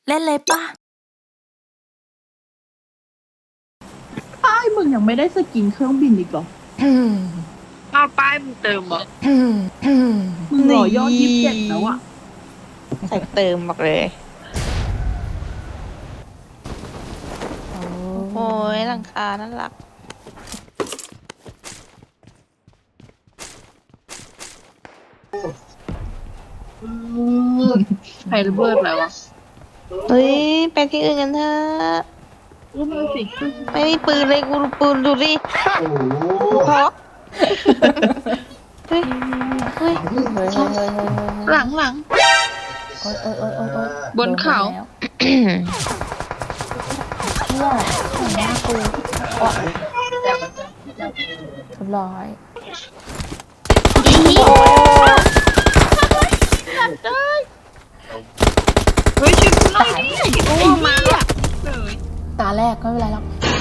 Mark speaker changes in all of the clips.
Speaker 1: เล่นเลยปะ
Speaker 2: ป้ายมึงยังไม่ได้สกินเครื่องบินอีกเหรอ
Speaker 3: อ้าวป้ายมึงเติมเหรอ
Speaker 2: มึงรอยอด27แล้วอะ
Speaker 3: ใส่เติมบอกเลยโอ้ยหลังคาน่ารัก
Speaker 2: ใครระเบิดแล้วอะ
Speaker 3: เฮ้ยไปที่อื่นกันเถอะ
Speaker 2: อุ้มเลยสิ
Speaker 3: ไม่มีปืนเลยกูดูปืนดูดิพอเฮ้ยเฮ้ยหลัง
Speaker 1: โอ๊ย
Speaker 2: บนเขา
Speaker 1: เนี่ยเห็นหน้ากูเรียบร้อย
Speaker 2: เฮ้ยช่วยกูหน่อยดิโอ้มาละเลย
Speaker 1: ตาแรกก็ไม่เป็นไรหรอก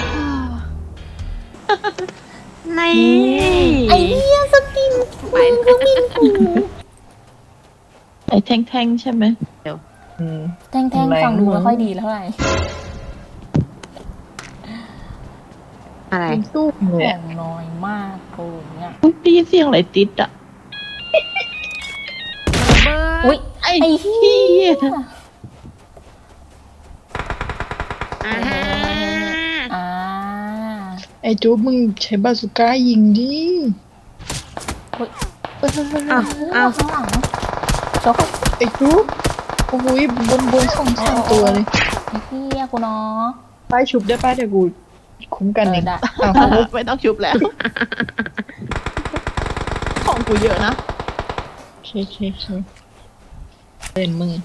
Speaker 3: ใน
Speaker 1: ไอ้เนี่ยสกินไปก็บินกู
Speaker 2: ไอ้แท่งๆใช่ไหม
Speaker 1: แท่งๆฟังดูไม่ค่อยดีเท่าไหร่
Speaker 3: อะไร
Speaker 2: เป็นสู้
Speaker 1: ข
Speaker 2: เลย
Speaker 1: องน้อยมากกูเนี่ย
Speaker 2: ได้ยินเสียงอะไรติดอะ
Speaker 1: อุ้ย
Speaker 2: ไอ้
Speaker 1: ไอ้
Speaker 2: เหี้
Speaker 1: เหี้
Speaker 2: ย
Speaker 1: ย
Speaker 3: อ่า
Speaker 1: อ่า
Speaker 4: ไอ้จูบมึงใช้บาสุก้ายิงดิ
Speaker 3: อ้าว
Speaker 1: ข้างหลังโชก
Speaker 4: ไอ้จูบโอ้ยบน2-3ตัวเลย
Speaker 1: ไอ้เหี้ยกูเนาะ
Speaker 4: ป้ายชุบได้ป้ายเดี๋ยวกูคุ้มกันเอง
Speaker 1: ได้
Speaker 4: อ้าว
Speaker 2: ไม่ต้องชุบแล้ว ของกูเยอะนะ
Speaker 4: เคเล่นมึง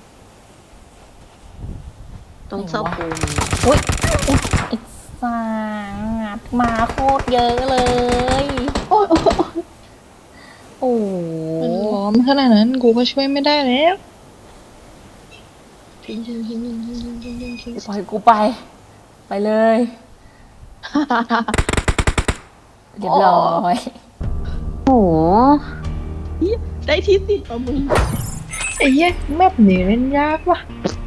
Speaker 3: ต้องเซาปูน
Speaker 1: อุ้ยไอ้สัตว์มาโคตรเยอะเลย
Speaker 4: โอ้ย
Speaker 1: โอ้
Speaker 4: มันล้อมขนาดนั้นกูก็ช่วยไม่ได้แล้ว
Speaker 1: ปล่อยกูไป ไปเลย เรียบร้อย
Speaker 3: โอ้โห
Speaker 2: ได้ที่10เอามึง
Speaker 4: ไอ้เหี้ยแมปนี้เล่นยากว่ะ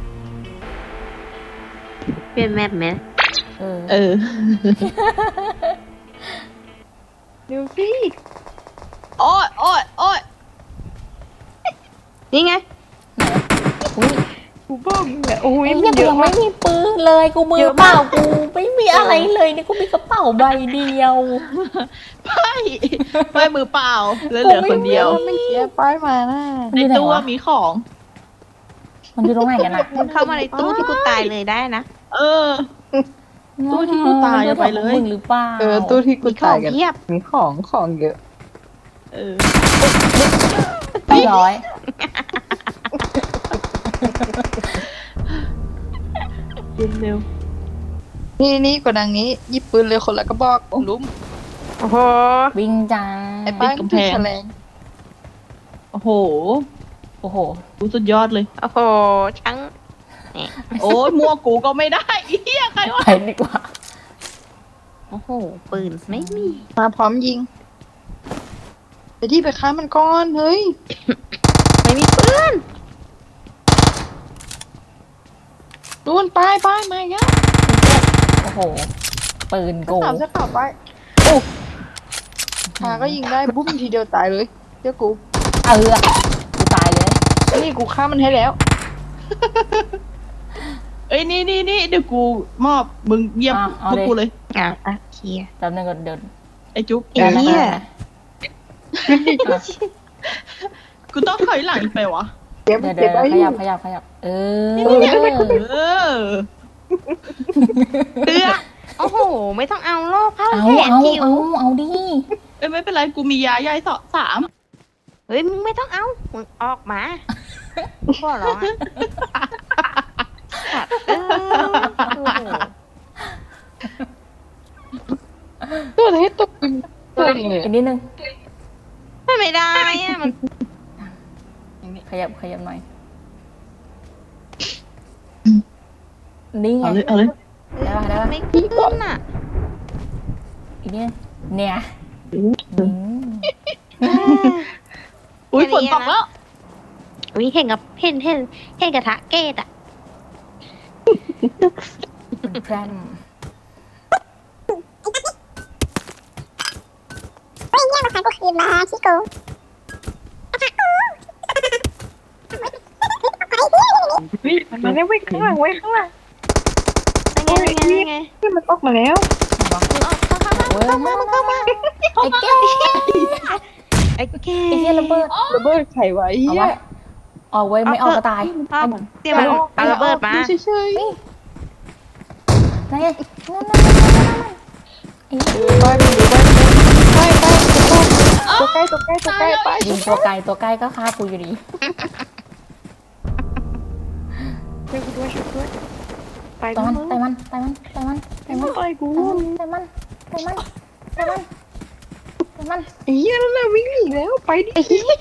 Speaker 3: เปลี่ยนแมปไหม
Speaker 1: เออ
Speaker 2: เออ
Speaker 4: เดี๋ยวสิ
Speaker 2: โอ้ย
Speaker 3: นี่ไง
Speaker 1: อุ้ย
Speaker 4: กูบอกมึงอะโอ้ย
Speaker 1: ไอ้
Speaker 4: มั
Speaker 1: เนี่ย
Speaker 4: น
Speaker 1: กู
Speaker 4: เยอะ
Speaker 1: ยังไม่
Speaker 4: มาก
Speaker 1: มีปืนเลยกูมือเปล่ากูไม่มีอะไรเลยนี่กูมีกระเป๋าใบเดียว
Speaker 2: ไม่มือเปล่าแล้วเหลือคนเดียว
Speaker 4: ไม่เสียป้ายมานะ
Speaker 2: ในตู้มีของ
Speaker 1: มันอยู่ตรงไหนกันอะ
Speaker 3: มึงเข้ามาในตู้ที่กูตายเลยได้นะ
Speaker 2: เออ ตู้ที่กูตายอะไปเลย
Speaker 1: มึงหรือเปล่า
Speaker 4: ตู้ที่กู
Speaker 3: มีขอ
Speaker 4: ตาย
Speaker 3: ง
Speaker 4: กัน
Speaker 3: เพียบ
Speaker 4: มีของเยอะ
Speaker 2: เออ
Speaker 1: เรียบร้อย
Speaker 2: กินเร็ว
Speaker 4: นี่กดดังนี้หยิบปืนเลยคนละกระบอกลุ้ม
Speaker 3: โอ้โห
Speaker 1: วิ่งจัง
Speaker 4: ไอ้ป้ายมันถือแฉลง
Speaker 2: โอ้โห
Speaker 1: โอ้โห
Speaker 2: กูสุดยอดเลย
Speaker 3: โอ้โหช่าง
Speaker 2: โอ้ยมั่วกูก็ไม่ได้เฮียใครวะ
Speaker 1: ไปดีกว่า
Speaker 3: โอ้โหปืนไม่มี
Speaker 4: มาพร้อมยิงไปที่ไปฆ่ามันก่อนเฮ้ย
Speaker 3: ไม่มีปืน
Speaker 4: นู่นป้ายมาอีกแล้ว
Speaker 1: โอ้โห ปืนกู
Speaker 4: สามจะข่าวป้ายโอ้มาก็ยิงได้บุ้มทีเดียวตายเลยเจ้ากู
Speaker 1: กูตายเลย
Speaker 4: นี่กูฆ่ามันให้แล้ว
Speaker 2: เอ้ยนี่เดี๋ยวกูมอบมึงเยี่ยมพวกกูเลย
Speaker 3: เคลียร์
Speaker 1: แป๊บนึงก่อนเดิน
Speaker 2: ไอ้จุ๊บ
Speaker 3: ไอ้เหี้ย
Speaker 2: กูต้องถอยหลังอีกไปวะ
Speaker 4: เก็บ
Speaker 1: เดี๋ยว
Speaker 4: เก็บไว้
Speaker 1: ข
Speaker 4: อ
Speaker 1: ยั
Speaker 4: ยู่
Speaker 1: บขยับเออ
Speaker 2: เออ
Speaker 3: เตือโอ้โห ไม่ต้องเอาโลกเข้า
Speaker 1: เอา
Speaker 3: แขนจิ๋ว
Speaker 1: เอาดิ
Speaker 2: เอ้ยไม่เป็นไรกูมียาย่อย3
Speaker 3: เฮ้ยมึงไม่ต้องเอามึงออกมาพ่อร้องอะสัตว์โอ้โห
Speaker 4: ตัวไหนตกปืนตัวเองเลย
Speaker 1: อีกนิดนึง
Speaker 3: ไม่ได้อะมัน
Speaker 1: ขยับหน่อย นี่ไง
Speaker 2: เอาเลย
Speaker 1: ได้ปะ
Speaker 3: ไม่ขึ้นอ่ะ
Speaker 1: อีกนิดนึงเนี่ย
Speaker 2: อุ้ยฝนตกแล้ว
Speaker 3: อุ้ยเห็นกระทะเกตอ่ะเป็นแพร่ม
Speaker 1: เฮ้ยเนี่ยมาขายกูคืนมาชิโก
Speaker 4: เฮ้ยมันมาแล้วเว้ยข้างหลังเว้ยข้างหลัง
Speaker 3: ยังไงยังไง
Speaker 4: เฮ้ยมันออกมาแล้ว
Speaker 3: เว้ยมาไอ้แก่
Speaker 4: ไอ้แก
Speaker 3: ไอ้เหี้ยระเบิด
Speaker 4: ระเบิดไขไว้
Speaker 3: เอา
Speaker 4: เหี้
Speaker 3: วะ
Speaker 4: ย
Speaker 3: ออกเว้ยไม่ออกก็ตาย
Speaker 2: เตรียมเอาระเบิดมา
Speaker 4: เฉย
Speaker 3: นั่นไงนั่นไอ้
Speaker 4: ๆไปดูไปตัวใกล้ไป
Speaker 3: ยิงตัวไกลตัวใกล้ก็ฆ่ากูอยู่ดี
Speaker 4: ช่วยกูด้วยไป
Speaker 3: ต่อยมัน
Speaker 4: มึง
Speaker 3: ต่อยมันต่อยมันต่อยมันต่อยมัน
Speaker 4: ต่อยกู
Speaker 3: ต่อยมันต่อยมันต่อยมันต่อยมัน
Speaker 4: ไอ้เหี้ยนั่นแหละวิ่งหนีแล้วไปดิ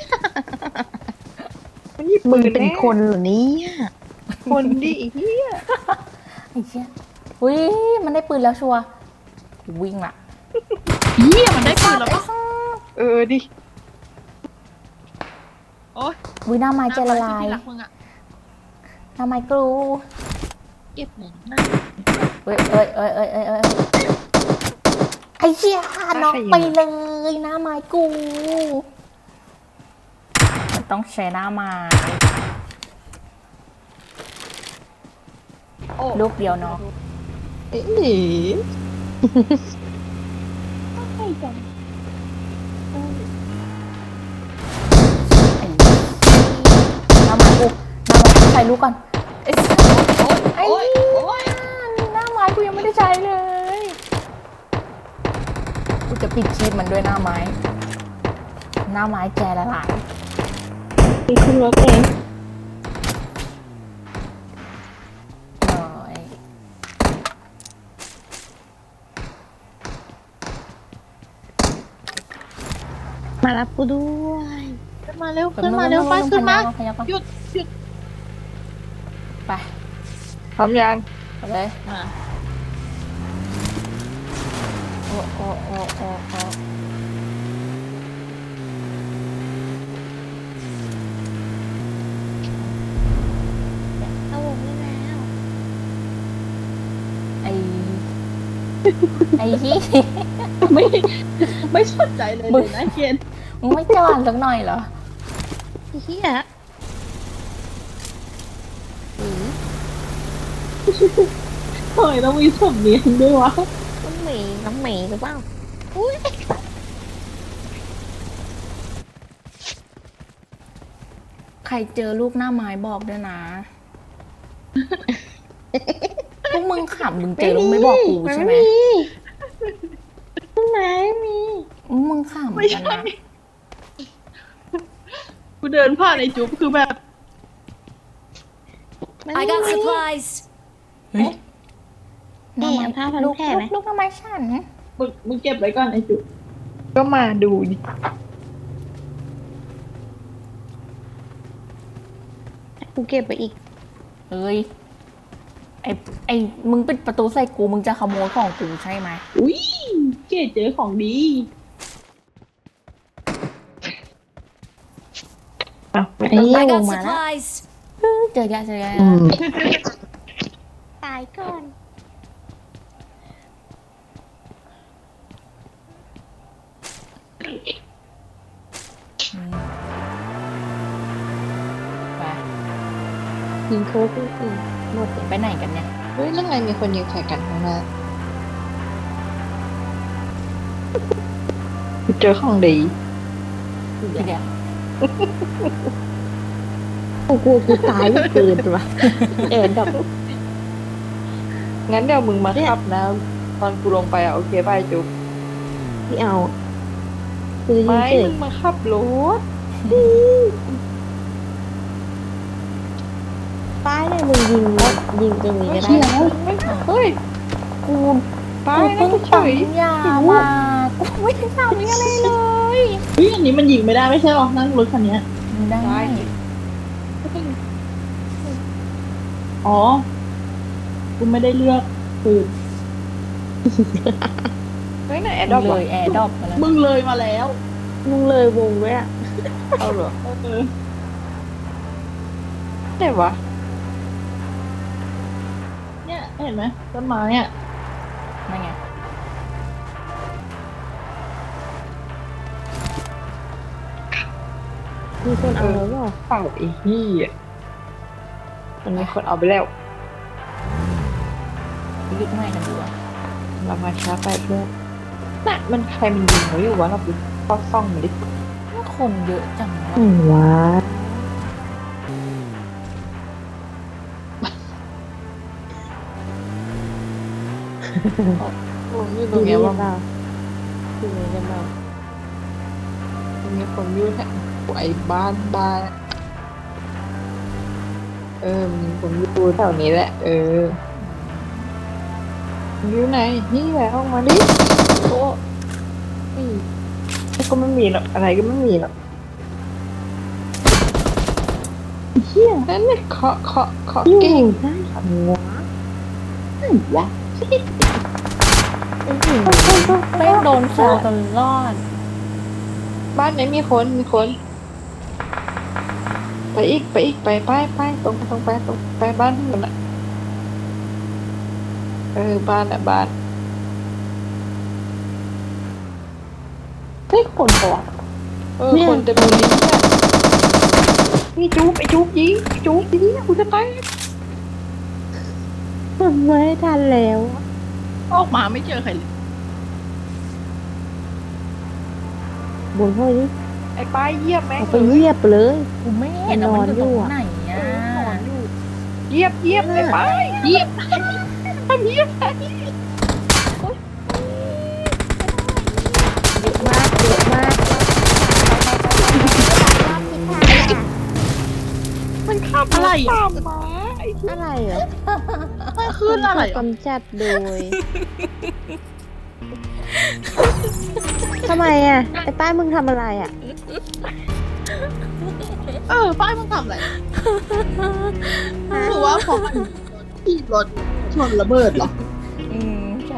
Speaker 4: มันหยิบปืน
Speaker 1: เป็นคนเหรอเนี่ย
Speaker 4: คนดิไอ้เหี้ย
Speaker 3: ไอ้เชี่ยอุ้ยมันได้ปืนแล้วชัวร์วิ่งละ
Speaker 2: เหี้ยมันได้ปืนแล้วปะ
Speaker 4: ดิ
Speaker 2: โอ๊ย
Speaker 3: วิหน้าไม้ใจละลาย
Speaker 2: ที่รักมึงอะ
Speaker 3: หน้าไม้กรู
Speaker 2: เก็บหนึ่งนะ
Speaker 3: เอ้ยไอ้เชี่ยน็อกไปเลยหน้าไม้กูมันต้องใช้หน้าไม้ลูกเดียวเนาะ
Speaker 4: เอ๊ะ
Speaker 3: หน้าไม้กูใส่ลูกก่อนไอ้สัสไอ้
Speaker 2: โอ๊ย
Speaker 3: หน้าไม้กูยังไม่ได้ใช้เลยกูจะปิดชีพมันด้วยหน้าไม้แกละลาย
Speaker 4: มีขึ้นรถเอง
Speaker 3: หน่อย
Speaker 1: มารับกูด้วย
Speaker 2: ขึ้นมาเร็วขึ้นมาเร็วไปขึ้นมา
Speaker 3: ขยับก่อน
Speaker 2: หยุดหยุด
Speaker 3: ไป
Speaker 4: พร้อมยัง
Speaker 3: ไปเลย
Speaker 2: มา
Speaker 3: โอ้โอ้โอ้โอ้โอ้
Speaker 1: เอาวงได้แล้ว
Speaker 3: ไอ้ที่
Speaker 2: ไม่ไม่สนใจเลยเลยนะเกณฑ์
Speaker 3: มึงไม่จอดสักหน่อยเหรอ
Speaker 1: ไอ้เหี้ย
Speaker 2: เฮ้ยต้องมีสำเนียงด้วยวะ
Speaker 1: น้ำหมีหรือเปล่า
Speaker 3: ใครเจอลูกหน้าไม้บอกด้วยนะ พวกมึงขำมึงเจอลูกไม่บอกกูใช่ไหม
Speaker 1: ไหนมี
Speaker 3: มึงขำ
Speaker 2: ไม่
Speaker 3: กัน
Speaker 2: ใช่
Speaker 3: นะ
Speaker 2: กูเดินผ่านไอ้จุ๊บคือแบบ
Speaker 5: I got supplies.
Speaker 3: เฮ้ย
Speaker 1: เอ๊ะเอาผ้าพัน
Speaker 3: ลูก
Speaker 1: แผลไหม
Speaker 3: ลูกหน้าไม้ฉัน
Speaker 2: มึงเก็บไว้ก่อนไอ้จุ๊บ
Speaker 4: ก็มาดูดิ
Speaker 1: กูเก็บไปอีก
Speaker 3: เอ้ยไอ้มึงปิดประตูใส่กูมึงจะขโมยของกูใช่ไหม
Speaker 2: อุ้ยเกดเจอของดี
Speaker 1: ไอ้เหี้ยว
Speaker 5: I
Speaker 1: ง
Speaker 5: got
Speaker 1: มาแล้ว
Speaker 5: supplies.
Speaker 3: เจอแกเจอแก
Speaker 1: ตายก่อน
Speaker 3: ไป
Speaker 1: ยิงโค้กหมดเลย
Speaker 3: ไปไหนกันเนี่ย
Speaker 4: เฮ้ยนั่นไงมีคนยิงใส่กันข้างหน้าเจอของดี
Speaker 3: เดี๋ยว
Speaker 1: กูตายไม่เกินตัวเอ็นดอก
Speaker 4: งั้นเดี๋ยวมึงมาขับนะตอนกูลงไปโอเคป่ะจุ๊บ
Speaker 1: ไม่เอากูจะยิง
Speaker 4: ไม่
Speaker 1: เฉย
Speaker 4: มึงมาขับรถ
Speaker 1: ป้ายเนี่ยมึงยิงตรงนี้ก็ได้
Speaker 4: เฮ้ย
Speaker 3: กู
Speaker 4: ไป
Speaker 3: กู
Speaker 4: นะ
Speaker 3: เพิ่ง
Speaker 4: เฉ
Speaker 3: ปั๊ม
Speaker 4: ย
Speaker 3: ยามากูไม่ได้ทำอะไรเลย
Speaker 2: เฮ้ยอันนี้มันยิงไม่ได้ไม่ใช่หรอนั่งรถคันเนี้ย
Speaker 3: ได้
Speaker 2: อ๋อกูไม่ได้เลือกปืน
Speaker 4: เฮ้ยน่ะแอดดอป
Speaker 3: เลยแอร์ดรอปมาแล้ว
Speaker 2: มึงเลยมาแล้ว
Speaker 1: มึงเลยวงด้วยอ่ะ
Speaker 4: เอาเหรอ
Speaker 2: เออ
Speaker 4: ไหนวะ
Speaker 2: เห็นไหมต้นไม้อ่ะ
Speaker 1: นั่นไง
Speaker 3: มีคนเอาแล้วเหรอ
Speaker 4: เปล่าไอ้เหี้ยมันมีคนเอาไปแล้ว
Speaker 1: ยึดให้กันดีกว่า
Speaker 4: เรามาช้าไปเพื่อนน่ะมันใครมันยิงเราอยู่วะเราไปป้อซ่องมันดิ
Speaker 1: คนเยอะจังวะ
Speaker 3: ว้า
Speaker 4: ผมอยู่ตร
Speaker 3: ดู
Speaker 4: ง
Speaker 3: นี่
Speaker 4: เนี้ยว่า
Speaker 3: เปล่าดูนี่กันเปล่า
Speaker 4: มันมีคนอยู่แถวไอ้บ้านมีคนอยู่แถวนี้แหละ อยู่ไหนนี่แหละออกมาดิโอ้ยก็ไม่มีหรอกอะไรก็ไม่มีหรอกเฮียนั่นเนี่ยเคาะเก่ง
Speaker 3: ได้
Speaker 4: หัว
Speaker 3: วะ
Speaker 1: ไม่โดนแซวตลอด
Speaker 4: บ้านไหนมีคนไปอีกไปตรงไปบ้านมันอะบ้านอะบ้านเฮ้ยคนปะคนเต็มเลยเนี่ยนี่จุ๊บยิงกูจะตาย
Speaker 3: มันไม่ทันแล้ว
Speaker 2: ออกมาไม่เจอใครเลย
Speaker 3: บนห้อยนี่
Speaker 4: ไอ้ป้ายเยียบแม่ง
Speaker 3: เอาไปเหยียบเลย
Speaker 1: กูไม่เห็นว่ามันอยู่ตรงไหนอ่ะ
Speaker 4: เยียบไอ้ป้ายเยียบเยียบ
Speaker 3: เยอะมากเยอะมาก
Speaker 4: มันขับ
Speaker 2: อะไร
Speaker 4: ตา
Speaker 2: อ่ะ
Speaker 4: มมาไอ้
Speaker 3: อะไรเหรอ
Speaker 2: ไม่ขึ้นอะไร
Speaker 3: ถูก
Speaker 2: อ่ะ
Speaker 3: กำจัดโดยทำไมอ่ะไอ้ป้ายมึงทำอะไรอ่ะ
Speaker 2: ป้ายมึงทำอะไรหรือว่าของที่รถชนระเบิดเหรอ
Speaker 1: ใช่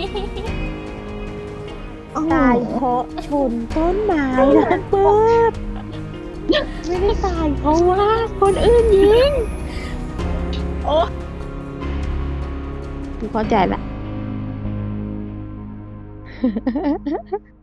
Speaker 3: ตายเพราะชนต้นไม้ระเบิดไม่ได้ตายเพราะว่าคนอื่นยิง
Speaker 2: โอ้
Speaker 3: กูเข้าใจละ